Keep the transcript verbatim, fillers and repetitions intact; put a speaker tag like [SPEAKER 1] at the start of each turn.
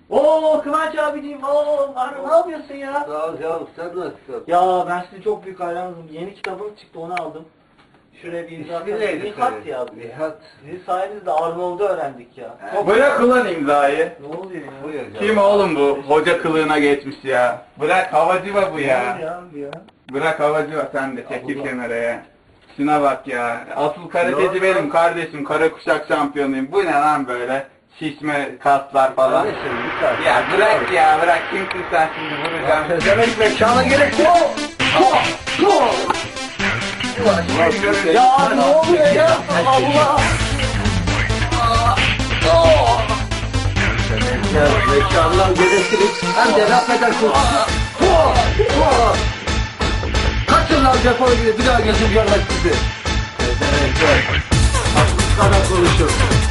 [SPEAKER 1] Oo Kıvanç abiciğim, oo Bahri, ne yapıyorsun ya?
[SPEAKER 2] Sağ ol canım, sen nasılsın?
[SPEAKER 1] Ya ben sizin çok büyük hayranınızım. Yeni kitabınız çıktı, onu aldım. Şuraya bir imza
[SPEAKER 2] İsmi
[SPEAKER 1] atalım.
[SPEAKER 2] neydi
[SPEAKER 1] Nihat
[SPEAKER 2] senin?
[SPEAKER 1] yazdı.
[SPEAKER 2] Nihat.
[SPEAKER 1] Sizin sayenizde Arnold'u öğrendik ya. Çok...
[SPEAKER 3] Bırak ulan imzayı.
[SPEAKER 1] Ne oluyor ya?
[SPEAKER 2] Buyur canım.
[SPEAKER 3] Kim oğlum bu? Hoca kılığına geçmiş ya. Bırak havacıva bu
[SPEAKER 1] Ne
[SPEAKER 3] ya.
[SPEAKER 1] ya ya?
[SPEAKER 3] Bırak havacıva sen de çekil
[SPEAKER 1] Allah.
[SPEAKER 3] kenara ya. Şuna bak ya. Asıl karateci
[SPEAKER 2] Yok.
[SPEAKER 3] benim kardeşim. Kara kuşak şampiyonuyum. Bu ne lan böyle? Şişme kaslar falan.
[SPEAKER 2] Kardeşim, lütfen.
[SPEAKER 3] Ya bırak ya bırak. Kimsin sen şimdi vuracağım.
[SPEAKER 2] Demek mekana gerek yok.
[SPEAKER 1] Ya ne oluyor ya? Allah!
[SPEAKER 2] Ya mekandan gereksiz hem de laf edersin. Kaçın lan defol gibi bir daha gözüm görmez sizi. Hakkı kadar konuşur.